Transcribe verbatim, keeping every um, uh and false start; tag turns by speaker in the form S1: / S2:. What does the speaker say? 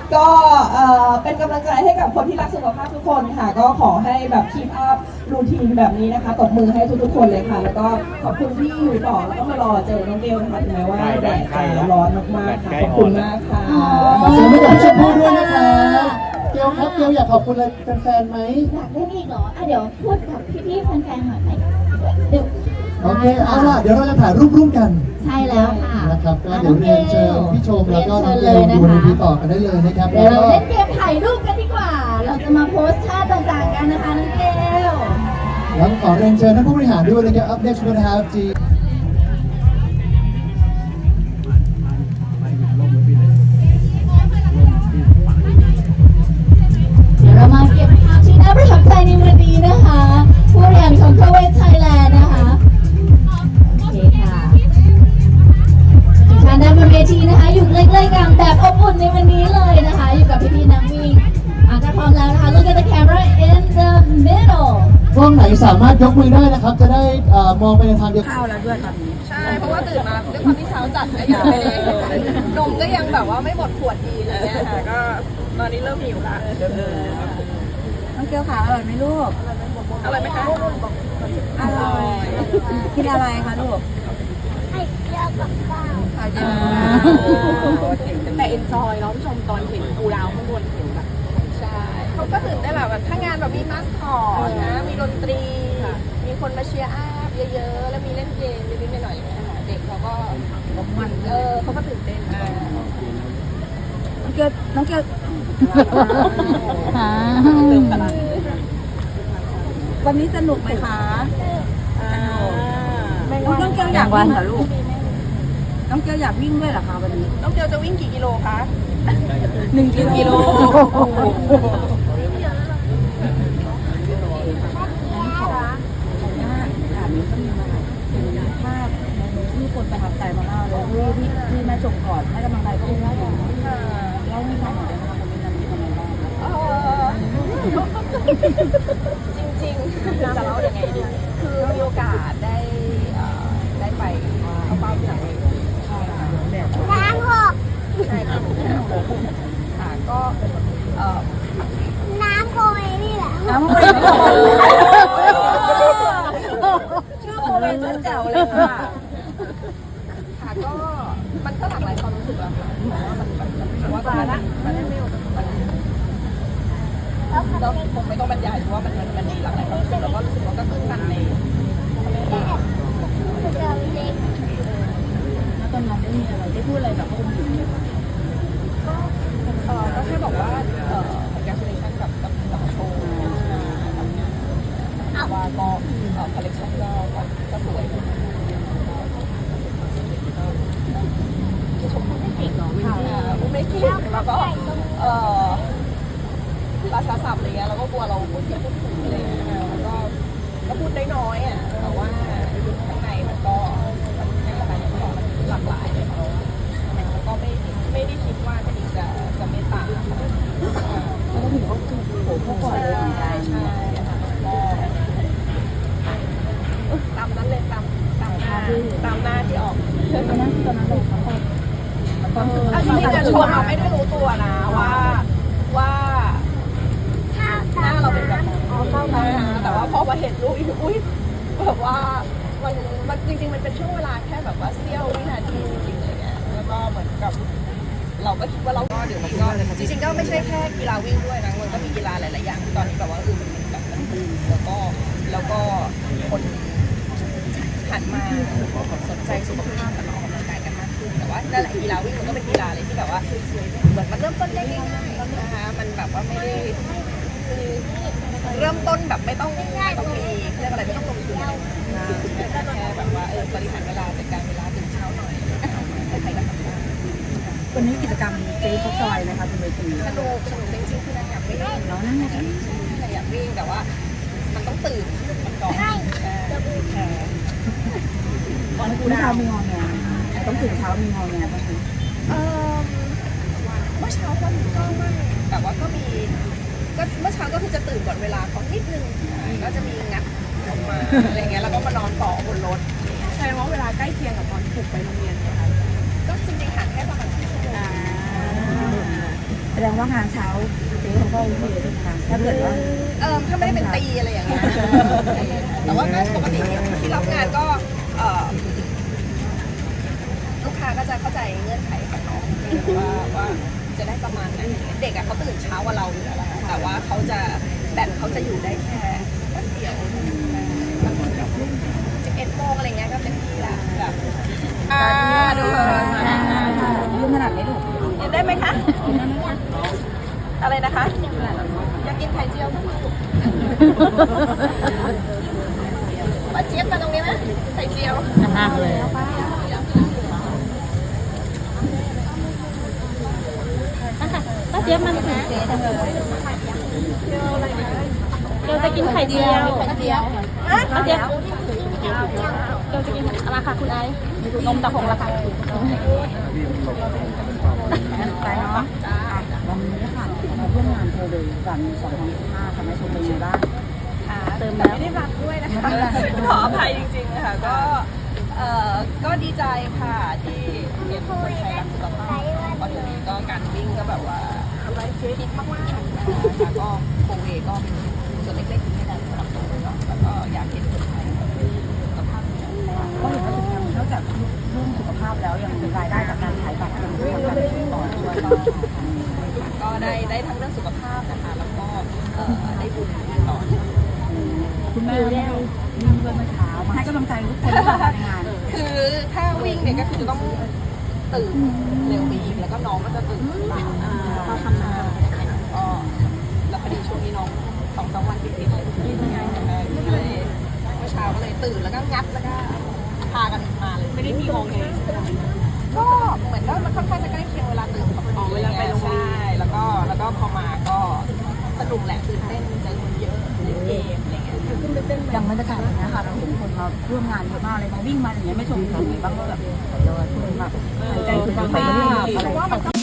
S1: ก็เป็นกำลังใจให้กับคนที่รักสุขภาพทุกคนค่ะก็ขอให้แบบคีปอัพรูทีนแบบนี้นะคะตบมือให้ทุกๆคนเลยค่ะแล้วก็ขอบคุณที่อยู่ต่อแล้วก็มารอเจอน้องเกลนะคะถึงแม้ว่าแดดจะร้อนมากๆค่ะขอบคุณมากค่ะ
S2: ขอเสียงให้กับพี่ชมพู่ด้วยนะคะเกลครับเกลอยากขอบคุณอะไรแฟนๆไหม
S3: อยากเล่นอีกเหรออ่ะเดี๋ยวพูดกับพี่ๆแฟนๆหน่อยไหมเดี๋ยว
S2: โอเคเอาล่ะเดี๋ยวเราจะถ่ายรูปร่วมกัน
S3: ใช่แล้วค่ะ
S2: นะครับก็เดี๋ยวเรียนเชิญพี่ชมแล้วก็น้องเกลอยู่บนเวทีต่อกันได้เลยนะครับ
S3: เดี๋ยวเราเล่นเกมถ่ายรูปกันดีกว่าเราจะมาโพสท่าต่างๆกันนะคะน้องเกล
S2: แล้วขอเรียนเชิญท่านผู้บริหารด้วยนะครับ Up next we have G
S3: เดี๋ยวเรามาเก็บภาพที่น่าประทับใจในวันนี้นะคะผู้บริหารของ Covet Thailand นะคะโอเคค่ะทุกท่านด้านบนเวทีนะคะอยู่ใกล้ๆกันแบบอบอุ่นในวันนี้เลยนะคะอยู่กับพี่ๆนักวิ่งอ่ะก็พร้อมแล้วนะคะ Look at the camera in the middle
S2: กล้องไหนสามารถยกมือได้นะครับจะได้มองไปในทางเดียวกัน
S4: ข้าวแล้วด้วยตอนนี้ใช่เพราะว่าตื่นมาด้วยความที่เช้าจัดก็ยังไม่ได้นมก็ยังแบบว่าไม่หมดขวดดีอะไรเงี้ยค่ะก็ตอนนี้เริ่มหิวละน้องเกี๊ยวขาอร่อยไหมลูกอร่อยไหมคะอร่อยกินอะไรคะลูกไข่เจียวกับข้าวไข่เจียวแต่เอ็นจอยเนาะผู้ชมตอนเห็นกูดาวข้างบนเห็นแบบใช่เขาก็ตื่นได้แบบถ้างานแบบมีมาสคอตนะมีดนตรีมีคนมาเชียร์อัพเยอะๆแล้วมีเล่นเกมนิดๆหน่อยๆอย่างเงี้ยเด็กเขาก็มันเออเขาก็ตื่นเต้นน้องเกียวน้องเกียววันนี้สนุกไหมคะน้องเกียวอยากวิ่งเหรอลูกน้องเกียวอยากวิ่งด้วยเหรอคะวันนี้น้องเกียวจะวิ่งกี่กิโลคะหนึ่งกิโลที่คนประทับใจมากๆเลยที่ที่ที่แม่ชมก่อนให้กำลังใจก็ได้เล่าให้ฟังหน่อยได้ไหมคะเป็นยังไงเป็นยังไงบ้างจริงๆจะเล่ายังไงดีคือมีโอกาสได้ได้ไปเข้าเฝ้าที่ไหนน้ำหกใช่ค่ะค่ะก็น้ำโคยนี่แหละน้ำโคยชื่อโคยเจ๋วเลยค่ะค่ะก็มันก็หลากหลายความรู้สึกอะค่ะมันมันมันว่าตอนนั้นมันไม่ไม่เราคงไม่ต้องบรรยายเพราะว่ามันมันมันมีหลากหลายความรู้สึกแล้วก็รู้สึกว่าก็ตื่นตันในแล้วตอนนั้นได้มีอะไรได้พูดอะไรกับคนอื่นไหมคะก็เออก็แค่บอกว่าเออ congratulation กับกับกับโชว์ว่าก็เออ collection ก็ก็สวยชมพูไม่เก่งเนาะค่ะไม่เก่งแล้วก็เออภาษาศัพท์อะไรเงี้ยเราก็กลัวเราพูดไม่พูดถูกอะไรเงี้ยแล้วก็ก็พูดได้น้อยอ่ะแต่ว่าข้างในมันก็มันไม่อะไรมันก็หลากหลายเลยแล้วก็ไม่ไม่ได้คิดว่าจะจะจะเมตตาแล้วก็ถึงก็คือโผล่เข้าก่อนเลยใช่ใช่ก็ตามนั้นเลยตามตามหน้าตามหน้าที่ออกตอนนั้นตอนนั้นเลยเขาตอนจริงๆจะชวนเราไม่ได้รู้ตัวนะว่าว่าหน้าเราเป็นแบบแต่ว่าพอมาเห็นรูปอีกอุ้ยแบบว่ามันมันจริงๆมันเป็นช่วงเวลาแค่แบบว่าเสี้ยววินาทีจริงๆเลยเนี่ยแล้วก็เหมือนกับเราก็คิดว่าเราก็เดี๋ยวมันก็จริงๆก็ไม่ใช่แค่กีฬาวิ่งด้วยนะมันก็มีกีฬาหลายๆอย่างที่ตอนนี้แบบว่าเออมันแบบมันบูมแล้วก็แล้วก็คนหันมาสนใจสุขภาพกับออกกำลังกายกันมากขึ้นแต่ว่านั่นแหละกีฬาวิ่งมันก็เป็นกีฬาอะไรที่แบบว่าเหมือนมันเริ่มต้นได้ง่ายๆนะคะมันแบบว่าไม่ได้เริ่มต้นแบบไม่ต้องไม่ต้องมีเรื่องอะไรไม่ต้องลงทุนแค่แบบว่าเออบริหารเวลาจัดการเวลาตื่นเช้าหน่อยใครๆก็ทำได้วันนี้กิจกรรมเจ๊เขาซอยนะคะคุณเวทีสนุกสนุกจริงๆคือนางอยากวิ่งเนาะนั่นแหละอยากวิ่งแต่ว่ามันต้องตื่นมันก่อนใช่ใช่ตอนคุณเช้ามีงอแงต้องตื่นเช้ามีงอแงบ้างไหมเออเมื่อเช้าก็ก็ไม่แต่ว่าก็มีก็เมื่อเช้าก็คือจะตื่นก่อนเวลาเขานิดนึงก็จะมีงัดออกมาอะไรเงี้ยแล้วก็มานอนต่อบนรถใช่ว่าเวลาใกล้เคียงกับตอนปลุกไปโรงเรียนนะคะก็จริงๆห่างแค่ประมาณชั่วโมง
S5: แสดงว่างานเช้าเจ๊เขาก็โอเคใช่ไหมคะถ้าเกิดว่า
S4: เออถ้าไม่ได้เป็นตีอะไรอย่างเงี้ยแต่ว่าก็ปกติที่ที่รับงานก็เออลูกค้าก็จะเข้าใจเงื่อนไขของน้องว่าว่าจะได้ประมาณไหนเด็กอะเขาตื่นเช้ากว่าเราอยู่แล้วอะแต่ว่าเขาจะแบตเขาจะอยู่ได้แค่แป๊บเดียวสิบเอ็ดโมงอะไรเงี้ยก็เต็มที่ละแบบอ่าดูเลย
S5: ยืนขนาดไหนลูก
S4: กินได้ไหมคะอะไรนะคะอยากกินไข่เจียวทั้งลูกมาเจี๊ยบมาตรงนี้ไหมไข่เจียว
S5: มากเลยป้าเจี๊ยบมันถึงเจ๊จังเลยเราจะกินไข่เจียวไข่เจียวป้าเจี๊ยบเราจะกินอะไรคะคุณไอ้นมตะพงละค่ะไปเนาะวันนี้ค่ะมาร่วมงานโทรเลยวันสองพันสิบห้าทำให้ชมเป็นยังไงบ้าง
S4: ค่ะ
S5: เติม
S4: แต่
S5: แล้ว
S4: ไม่ได้รับด้วยนะคะขออภัยจริงๆค่ะก็เอ่อก็ดีใจค่ะที่เห็นคนไทยรักสุขภาพเพราะเดี๋ยวนี้ก็การวิ่งก็แบบว่าฮิตมากๆนะคะก็โคเวก็เป็นส่วนเล็กๆที่ได้สำหรับตัวเราแล้วก็อยากเห็นคนไทยสุขภาพดี
S5: ก็เห็นว่าถึงยังนอกจากเรื่องสุขภาพแล้วยังมีรายได้จากการขายบัตรยังทำการซื้อต่อด้วยก็
S4: ก็ได้ได้ทั้งเรื่องสุขภาพนะคะแล้วก็เอ่อได้บุญต่อ
S5: คุณแม่ได้วิ่งด้วยเมื่อเช้ามาให้กำลังใจทุกคนที่มาในงาน
S4: คือถ้าวิ่งเนี่ยก็คือจะต้องตื่นเร็วไปอีกแล้วก็น้องก็จะตื่นตามก็ทำงานก็แล้วพอดีช่วงนี้น้องสองสามวันติดๆเลยที่ทำงานกันเลยก็เลยเมื่อเช้าก็เลยตื่นแล้วก็งัดแล้วก็พากันมาเลยไม่ได้มีงงเลยก็เหมือนว่ามันค่อนข้างจะใกล้เคียงเวลาตื่นกับพอดีเวลาไปโรงเรียนใช่แล้วก็แล้วก็พอมาก็สนุกแหละตื่นเต้นเจอคนเยอะเล่นเกมอะไรเงี้ย
S5: อย่างบรรยากาศอย่างนี้ค่ะเราเห็นคนมาร่วมงานเยอะมากเลยมาวิ่งมาอย่างเงี้ยไม่ชมเขาบ้างว่าแบบคุณแบบใจคุณบ้างไหมอะไร